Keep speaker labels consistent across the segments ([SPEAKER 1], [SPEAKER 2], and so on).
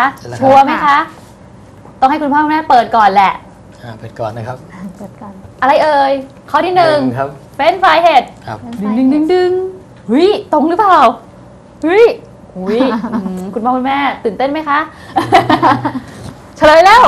[SPEAKER 1] ชัวร์ไหมคะต้องให้คุณพ่อแม่เปิดก่อนแหละ
[SPEAKER 2] เปิดก่อนนะครับ
[SPEAKER 1] เปิดก่อนอะไรเอ่ยข้อที่1
[SPEAKER 2] ครับ
[SPEAKER 1] เฟรนช์ฟรายเห็ดดึงเฮ้ยตรงหรือเปล่าเฮ้ยคุณพ่อคุณแม่ตื่นเต้นไหมคะเฉลยแล้ว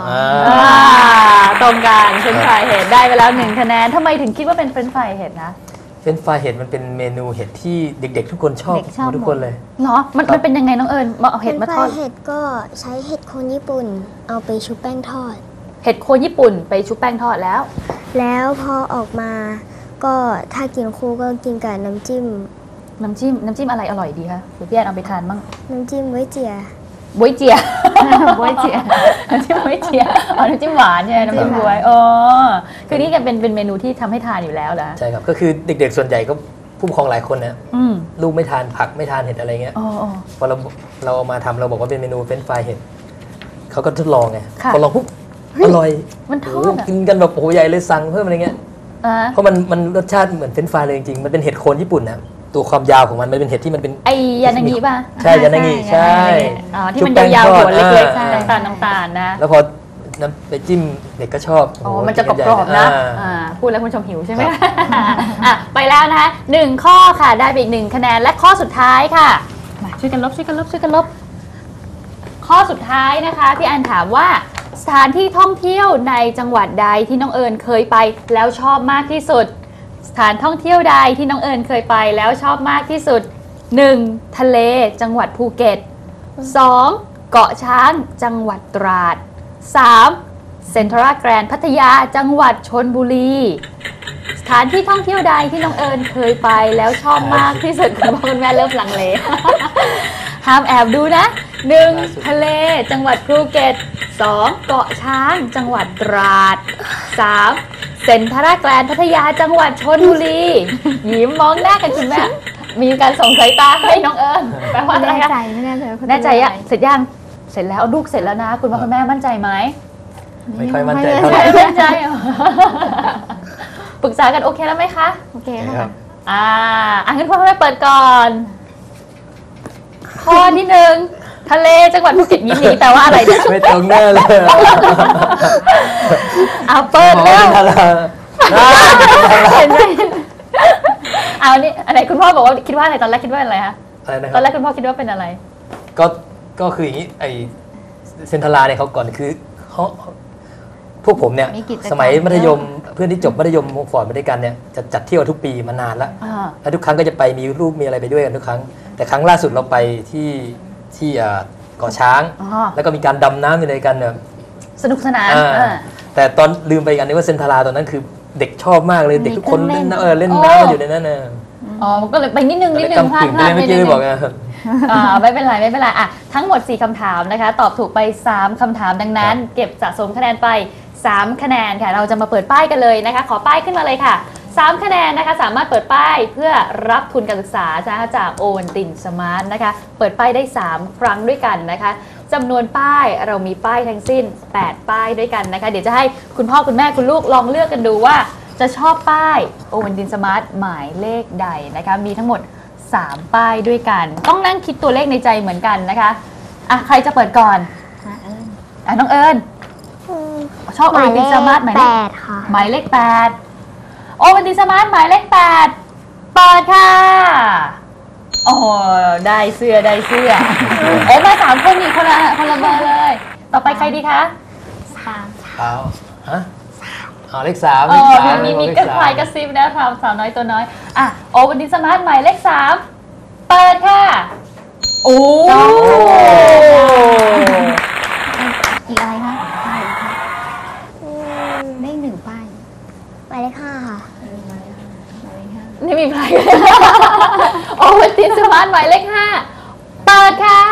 [SPEAKER 1] ตรงกันเฟรนช์ฟรายเห็ดได้ไปแล้ว1คะแนนทำไมถึงคิดว่าเป็นเฟรนช์ฟรายเห็ดนะ
[SPEAKER 2] เฟรนช์ฟรายเห็ดมันเป็นเมนูเห็ดที่เด็กๆทุกคนชอบทุกคนเลย
[SPEAKER 1] เหรอมันเป็นยังไงน้องเอิญมาเอาเห็ดมาทอด
[SPEAKER 3] เห็ดก็ใช้เห็ดโคนญี่ปุ่นเอาไปชุบแป้งทอด
[SPEAKER 1] เห็ดโคนญี่ปุ่นไปชุบแป้งทอดแล้ว
[SPEAKER 3] พอออกมาก็ถ้ากินคู่ก็กินกับน้ำจิ้ม
[SPEAKER 1] อะไรอร่อยดีคะเดี๋ยวพี่แอนเอาไปทานบ้าง
[SPEAKER 3] น้ำจิ้มไว้เจีย
[SPEAKER 1] น้ำจิ้มไว้เจียน้ำจิ้มหวานใช่ไหมน้ำจิ้มบวยคือนี่กันเป็นเมนูที่ทำให้ทานอยู่แล้วนะ
[SPEAKER 2] ใช่ครับก็คือเด็กๆส่วนใหญ่ก็ผู้ปกครองหลายคนนะลูกไม่ทานผักไม่ทานเห็ดอะไรเงี้ยพอเราเอามาทำเราบอกว่าเป็นเมนูเฟรนช์ฟรายเห็ดเขาก็ทดลองไงพอลองปุ๊บอร่อย
[SPEAKER 1] มันทอด
[SPEAKER 2] กินกันแบบโอ้ใหญ่เลยสั่งเพิ่มอะไรเงี้ยเพราะมันรสชาติเหมือนเฟรนช์ฟรายเลยจริงๆมันเป็นเห็ดโคนญี่ปุ่นนะตัวความยาวของมันเป็นเห็ดที่มันเป็น
[SPEAKER 1] ไอยานางิป่ะ
[SPEAKER 2] ใช่ยานางิใช่
[SPEAKER 1] ที่มันยาวๆหัวเล็กๆน้ำตาลนะ
[SPEAKER 2] แล้วพอน้ำไปจิ้มเด็กก็ชอบ
[SPEAKER 1] มันจะกรอบๆนะพูดแล้วคุณชมหิวใช่ไหมไปแล้วนะคะ1ข้อค่ะได้ไปอีก1คะแนนและข้อสุดท้ายค่ะมาช่วยกันลบข้อสุดท้ายนะคะพี่อันถามว่าสถานที่ท่องเที่ยวในจังหวัดใดที่น้องเอิญเคยไปแล้วชอบมากที่สุดสถานท่องเที่ยวใดที่น้องเอิญเคยไปแล้วชอบมากที่สุด 1. ทะเลจังหวัดภูเก็ต 2. เกาะช้างจังหวัดตราด 3. เซ็นทรัลแกรนด์พัทยาจังหวัดชลบุรีสถานที่ท่องเที่ยวใดที่น้องเอิญเคยไปแล้วชอบมากที่สุดคุณพ่อคุณแม่เริ่มลังเลห้ามแอบดูนะ 1. ทะเลจังหวัดภูเก็ต 2. เกาะช้างจังหวัดตราด 3. เซ็นทรัลแกรนด์พัทยาจังหวัดชลบุรียิ้มมองหน้ากันคุณแม่มีการส่งสายตาให้น้องเอิญแปลว่าอะไรคะ
[SPEAKER 3] ไม่แน่ใจ
[SPEAKER 1] แน่ใจอะเสร็จยังเสร็จแล้วลูกเสร็จแล้วนะคุณพ่อคุณแม่มั่นใจไหม
[SPEAKER 2] ไม่ค่อยมั่นใจเท่าไหร่
[SPEAKER 1] มั่นใจปรึกษากันโอเคแล้วไหมคะ
[SPEAKER 3] โอเคค่ะ
[SPEAKER 1] งั้นพ่อแม่เปิดก่อนข้อที่1ทะเลจังหวัดภูเก็ตยิ้มหนีแต่ว่าอะไรเนี่ย
[SPEAKER 2] ไม่ตรงแน่เลย
[SPEAKER 1] เปิดแล้วเห็นไหมนี่อะไรคุณพ่อบอกว่าคิดว่าอะไรตอนแรกคิดว่าอะไรคะตอนแรกคุณพ่อคิดว่าเป็นอะไร
[SPEAKER 2] ก็คืออย่างนี้ไอเซนทราเนี่ยเขาก่อนคือเขาพวกผมเนี่ยสมัยมัธยมเพื่อนที่จบมัธยมฟอร์ดมาด้วยกันเนี่ยจะจัดเที่ยวทุกปีมานานแล้วทุกครั้งก็จะไปมีรูปมีอะไรไปด้วยกันทุกครั้งแต่ครั้งล่าสุดเราไปที่เกาะช้างแล้วก็มีการดำน้ำอยู่ในกันเนี่ย
[SPEAKER 1] สนุกสนาน
[SPEAKER 2] แต่ตอนลืมไปกันนึกว่าเซนทราตอนนั้นคือเด็กชอบมากเลยเด็กทุกคนเล่นน้ำอยู่ในนั้นน่ะ
[SPEAKER 1] ก็เลยไปนิดนึง
[SPEAKER 2] พลาดไม่ได้บอกไง
[SPEAKER 1] ไม่เป็นไรทั้งหมด4คำถามนะคะตอบถูกไป3คำถามดังนั้นเก็บสะสมคะแนนไป3คะแนนค่ะเราจะมาเปิดป้ายกันเลยนะคะขอป้ายขึ้นมาเลยค่ะ3คะแนนนะคะสามารถเปิดป้ายเพื่อรับทุนการศึกษาจากโอวันตินสมาร์ทนะคะเปิดป้ายได้3ครั้งด้วยกันนะคะจำนวนป้ายเรามีป้ายทั้งสิ้น8ป้ายด้วยกันนะคะเดี๋ยวจะให้คุณพ่อคุณแม่คุณลูกลองเลือกกันดูว่าจะชอบป้ายโอวันตินสมาร์ทหมายเลขใดนะคะมีทั้งหมด3ป้ายด้วยกันต้องนั่งคิดตัวเลขในใจเหมือนกันนะคะใครจะเปิดก่อนน้องเอิญชอบโอวันตินสมาร์ทหมายเลข8ค่ะหมายเลข8โอวันตินสมาร์ทหมายเลข8เปิดค่ะโอ้ได้เสื้อมา3คนอีกคนละเบอร์เลยต่อไปใครดีคะ
[SPEAKER 2] เลข3
[SPEAKER 1] มีกระพายกระซิบนะสาวน้อยตัวน้อยโอวันตินสมาร์ทหมายเลข3เปิดค่ะโอ้
[SPEAKER 3] อีกอะไรคะเลข1ป้ายหมายเลข5ค่ะ
[SPEAKER 1] นี่มีใครโอวันตินสมาร์ทหมายเลข5เปิดค่ะ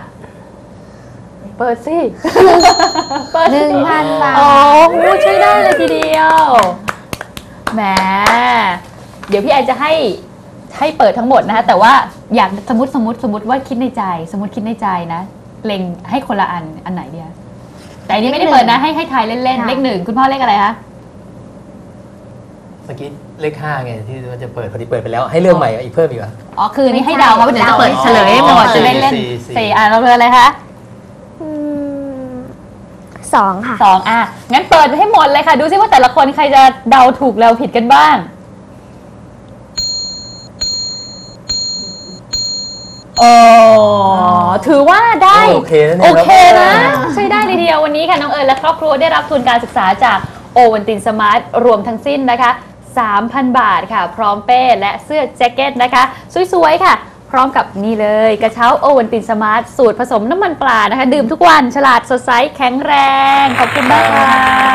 [SPEAKER 1] เปิดสิ
[SPEAKER 3] เปิด 1,000 บาท
[SPEAKER 1] ช่วยได้เลยทีเดียวแหมเดี๋ยวพี่แอนจะให้เปิดทั้งหมดนะคะแต่ว่าอยากสมมติว่าคิดในใจนะเล็งให้คนละอันไหนดีแต่อันนี้ไม่ได้เปิดนะให้ทายเล่นๆเลข1คุณพ่อเลขอะไรคะ
[SPEAKER 2] เมื่อกี้เลข5ไงที่ว่าจะเปิดพอดีเปิดไปแล้วให้เรื่องใหม่อีกเพิ่มอีกเหรอ
[SPEAKER 1] คือนี่ให้เดาว่าเดี๋ยวจะเปิดเฉลยให้หมดจะเล่น4เราเบอร์อะไรคะ
[SPEAKER 3] 1 2 ค่ะ
[SPEAKER 1] 2งั้นเปิดให้หมดเลยค่ะ ดูซิว่าแต่ละคนใครจะเดาถูกเดาผิดกันบ้างโอ้ถือว่าได้
[SPEAKER 2] โอเคนะเนี่ย
[SPEAKER 1] โอเคนะใช้ได้เลยทีเดียววันนี้ค่ะน้องเอิญและครอบครัวได้รับทุนการศึกษาจากโอวันตินสมาร์ทรวมทั้งสิ้นนะคะ 3,000 บาทค่ะ พร้อมเป้และเสื้อแจ็คเก็ตนะคะสวยๆค่ะ พร้อมกับนี่เลยกระเช้าโอวันตินสมาร์ทสูตรผสมน้ำมันปลานะคะ ดื่มทุกวันฉลาดสดใสแข็งแรง ขอบคุณมากค่ะ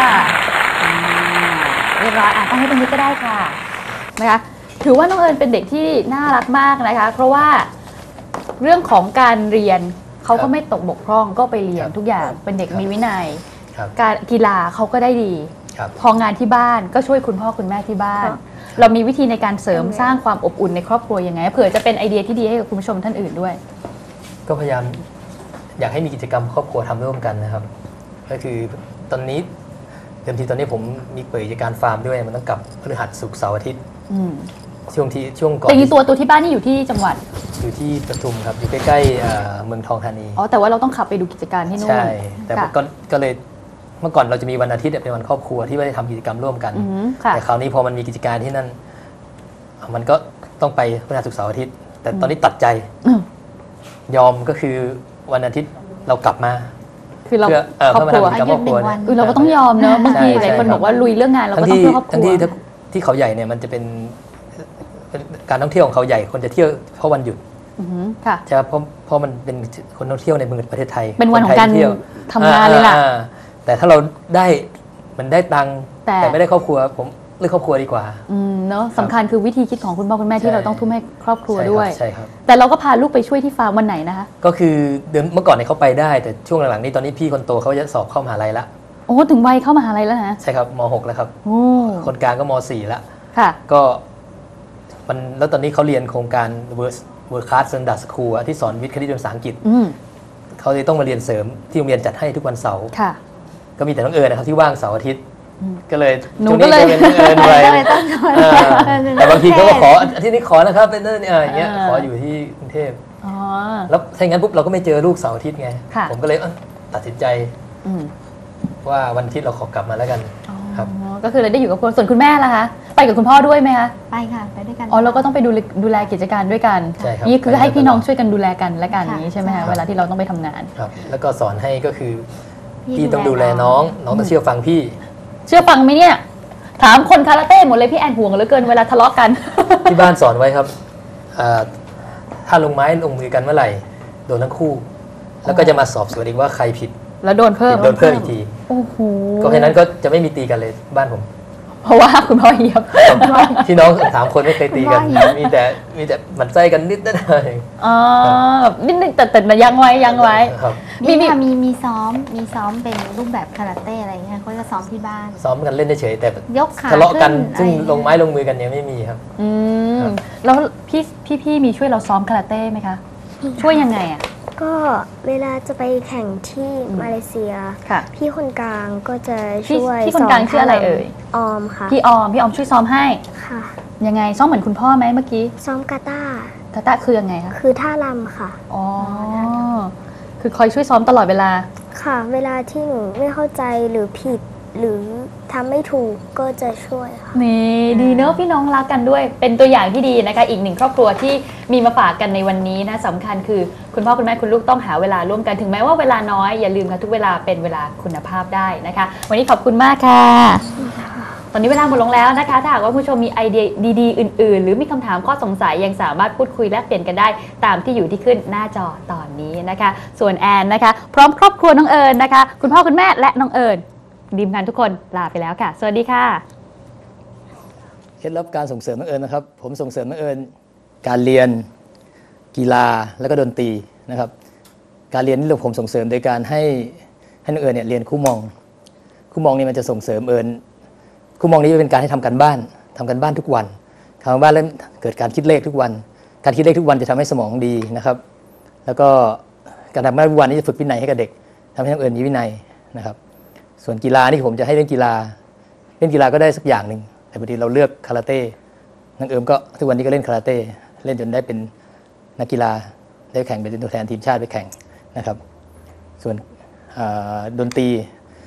[SPEAKER 1] เรียบร้อยตั้งให้ตรงนี้ก็ได้ค่ะนะคะถือว่าน้องเอิญเป็นเด็กที่น่ารักมากนะคะเพราะว่าเรื่องของการเรียนเขาก็ไม่ตกบกพร่องก็ไปเรียนทุกอย่างเป็นเด็กมีวินัย การกีฬาเขาก็ได้ดีพองานที่บ้านก็ช่วยคุณพ่อคุณแม่ที่บ้าน เรามีวิธีในการเสริมสร้างความอบอุ่นในครอบครัวยังไงเผื่อจะเป็นไอเดียที่ดีให้กับคุณผู้ชมท่านอื่นด้วย
[SPEAKER 2] ก็พยายามอยากให้มีกิจกรรมครอบครัวทำร่วมกันนะครับก็คือตอนนี้เดิมทีตอนนี้ผมมีเปิดกิจการฟาร์มด้วยมันต้องกลับพฤหัสศุกร์เสาร์อาทิตย์ช่วงก่อน
[SPEAKER 1] แต่ตัวที่บ้านนี่อยู่ที่จังหวัด
[SPEAKER 2] อยู่ที่ปทุมครับอยู่ใกล้ๆเมืองทองธานี
[SPEAKER 1] แต่ว่าเราต้องขับไปดูกิจการที่นู่น
[SPEAKER 2] ใช่แต่ก็เลยเมื่อก่อนเราจะมีวันอาทิตย์เป็นวันครอบครัวที่ไม่ได้ทำกิจกรรมร่วมกันแต่คราวนี้พอมันมีกิจการที่นั่นมันก็ต้องไปพฤหัสศุกร์เสาร์อาทิตย์แต่ตอนนี้ตัดใจยอมก็คือวันอาทิตย์เรากลับมา
[SPEAKER 1] คือเรา
[SPEAKER 2] ครอบครัว
[SPEAKER 1] เราก็ต้องยอมเนอะบางทีหลายคนบอกว่าลุยเรื่องงานเราก็ต้องเพื่อครอบครัว
[SPEAKER 2] ที่เขาใหญ่เนี่ยมันจะเป็นการท่องเที่ยวของเขาใหญ่คนจะเที่ยวเพราะวันหยุดใช่ครับเพราะมันเป็นคนท่องเที่ยวในประเทศไทย
[SPEAKER 1] เป็นวันของการทำงานเลยล่ะ
[SPEAKER 2] แต่ถ้าเรามันได้ตังค์แต่ไม่ได้ครอบครัวผมเลือกครอบครัวดีกว่า
[SPEAKER 1] เนาะสำคัญคือวิธีคิดของคุณพ่อคุณแม่ที่เราต้องทุ่มให้ครอบครัวด้วย
[SPEAKER 2] ใช่ครับ
[SPEAKER 1] แต่เราก็พาลูกไปช่วยที่ฟาร์มวันไหนนะคะ
[SPEAKER 2] ก็คือเมื่อก่อนเนี่ยเขาไปได้แต่ช่วงหลังๆนี้ตอนนี้พี่คนโตเขาจะสอบเข้ามหาลัยละ
[SPEAKER 1] โอ้ถึงวัยเข้ามหาลัยแล้วนะ
[SPEAKER 2] ใช่ครับม.6 แล้วครับคนกลางก็ม.4 แล้ว
[SPEAKER 1] ค่ะ
[SPEAKER 2] ก็แล้วตอนนี้เขาเรียนโครงการ World Class Standard School ที่สอนวิทย์คณิตภาษาอังกฤษเขาเลยต้องมาเรียนเสริมที่โรงเรียนจัดให้ทุกวันเสาร์ก็มีแต่น้องเอิญนะครับที่ว่างเสาร์อาทิตย์ก็เลย
[SPEAKER 1] หนูก็เลย
[SPEAKER 2] เป็นน้องเอิญไปแต่บางทีก็ขออาทิตย์นี้ขอนะครับเป็นอย่างเงี้ยขออยู่ที่กรุงเทพแล้วถ้าอย่างนั้นปุ๊บเราก็ไม่เจอลูกเสาร์อาทิตย์ไงผมก็เลยตัดสินใจว่าวันอาทิตย์เราขอกลับมาแล้วกันครับ
[SPEAKER 1] ก็คือเลยได้อยู่กับคนส่วนคุณแม่ล่ะคะไปกับคุณพ่อด้วยไหมคะ
[SPEAKER 3] ไปค่ะไปด้วยกัน
[SPEAKER 1] เราก็ต้องไปดูแลกิจการด้วยกันนี่คือให้พี่น้องช่วยกันดูแลกันและกันนี้ใช่ไหมคะเวลาที่เราต้องไปทำงาน
[SPEAKER 2] ครับแล้วก็สอนให้ก็คือพี่ต้องดูแลน้องต้องเชื่อฟังพี่
[SPEAKER 1] เชื่อฟังไหมเนี่ยถามคนคาราเต้หมดเลยพี่แอนห่วงเหลือเกินเวลาทะเลาะกัน
[SPEAKER 2] ที่บ้านสอนไว้ครับถ้าลงไม้ลงมือกันเมื่อไหร่โดนทั้งคู่แล้วก็จะมาสอบสวนอีกว่าใครผิด
[SPEAKER 1] แล้วโดนเพิ่ม
[SPEAKER 2] อีกทีก็แค่นั้นก็จะไม่มีตีกันเลยบ้านผม
[SPEAKER 1] เพราะว่าคุณพ่อเฮียบ
[SPEAKER 2] พี่น้อง3 คนไม่เคยตีกันมีแต่หมั่นไส้กันนิดหน่อย
[SPEAKER 1] นิดนึงแต่ยังไว้
[SPEAKER 3] มีซ้อมเป็นรูปแบบคาราเต้อะไรเงี้ยเขาจะซ้อมที่บ้าน
[SPEAKER 2] ซ้อมกันเล่นเฉยแต่
[SPEAKER 3] ยกขา
[SPEAKER 2] ทะเลาะกันซึ่งลงไม้ลงมือกันยังไม่มีครับ
[SPEAKER 1] แล้วพี่มีช่วยเราซ้อมคาราเต้ไหมคะช่วยยังไงอ่ะ
[SPEAKER 3] ก็เวลาจะไปแข่งที่มาเลเซียพี่คนกลางก็จะช่วย
[SPEAKER 1] พี่คนกลางชื่ออะไรเอ่ย
[SPEAKER 3] ออมค่ะ
[SPEAKER 1] พี่ออมช่วยซ้อมให้
[SPEAKER 3] ค่ะ
[SPEAKER 1] ยังไงซ้อมเหมือนคุณพ่อไหมเมื่อกี้
[SPEAKER 3] ซ้อมกาตา
[SPEAKER 1] คือยังไงคะ
[SPEAKER 3] คือท่ารำค่ะ
[SPEAKER 1] คือคอยช่วยซ้อมตลอดเวลา
[SPEAKER 3] ค่ะเวลาที่หนูไม่เข้าใจหรือผิดหรือทำไม่ถูกก็จะช่วยค่ะ
[SPEAKER 1] นี่ดีเนอะพี่น้องรักกันด้วยเป็นตัวอย่างที่ดีนะคะอีกหนึ่งครอบครัวที่มีมาฝากกันในวันนี้นะสำคัญคือคุณพ่อคุณแม่คุณลูกต้องหาเวลาร่วมกันถึงแม้ว่าเวลาน้อยอย่าลืมค่ะทุกเวลาเป็นเวลาคุณภาพได้นะคะวันนี้ขอบคุณมากค่ะตอนนี้เวลาหมดลงแล้วนะคะถ้าหากว่าผู้ชมมีไอเดียดีๆอื่นๆหรือมีคำถามข้อสงสัยยังสามารถพูดคุยแลกเปลี่ยนกันได้ตามที่อยู่ที่ขึ้นหน้าจอตอนนี้นะคะส่วนแอนนะคะพร้อมครอบครัวน้องเอิญนะคะคุณพ่อคุณแม่และน้องเอิญทีมงานทุกคนลาไปแล้วค่ะสวัสดีค่ะ
[SPEAKER 2] เคล็ดลับการส่งเสริมน้องเอิญนะครับผมส่งเสริมน้องเอิญการเรียนกีฬาแล้วก็ดนตรีนะครับการเรียนนี่ผมส่งเสริมโดยการให้น้องเอิญเนี่ยเรียนคู่มองนี่มันจะส่งเสริมเอิญคู่มองนี้เป็นการให้ทำการบ้านทุกวันทำการบ้านแล้วเกิดการคิดเลขทุกวันการคิดเลขทุกวันจะทำให้สมองดีนะครับแล้วก็การทำงานทุกวันนี้จะฝึกวินัยให้กับเด็กทำให้น้องเอิญมีวินัยนะครับส่วนกีฬานี่ผมจะให้เล่นกีฬาก็ได้สักอย่างหนึ่งแต่พอดีเราเลือกคาราเต้น้องเอิญก็ทุกวันนี้ก็เล่นคาราเต้เล่นจนได้เป็นนักกีฬาได้แข่งเป็นตัวแทนทีมชาติไปแข่งนะครับส่วนดนตรี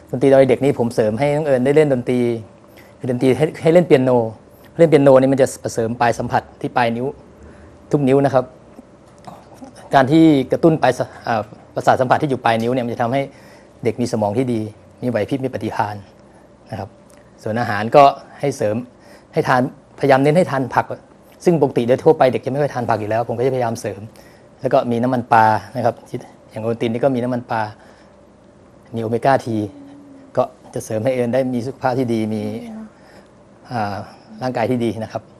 [SPEAKER 2] ดนตรีตอนเด็กนี่ผมเสริมให้น้องเอิญได้เล่นดนตรีคือดนตรีให้เล่นเปียโนเล่นเปียโนนี่มันจะเสริมปลายสัมผัสที่ปลายนิ้วทุกนิ้วนะครับการที่กระตุ้นปลายประสาทสัมผัสที่อยู่ปลายนิ้วเนี่ยมันจะทำให้เด็กมีสมองที่ดีมีไหวพริบมีปฏิภาณนะครับส่วนอาหารก็ให้เสริมให้ทานพยายามเน้นให้ทานผักซึ่งปกติโดยทั่วไปเด็กจะไม่ค่อยทานผักอยู่แล้วผมก็จะพยายามเสริมแล้วก็มีน้ำมันปลานะครับอย่างโอวัลตินนี่ก็มีน้ำมันปลามีโอเมก้าทีก็จะเสริมให้เอิญได้มีสุขภาพที่ดีมีร่างกายที่ดีนะครับ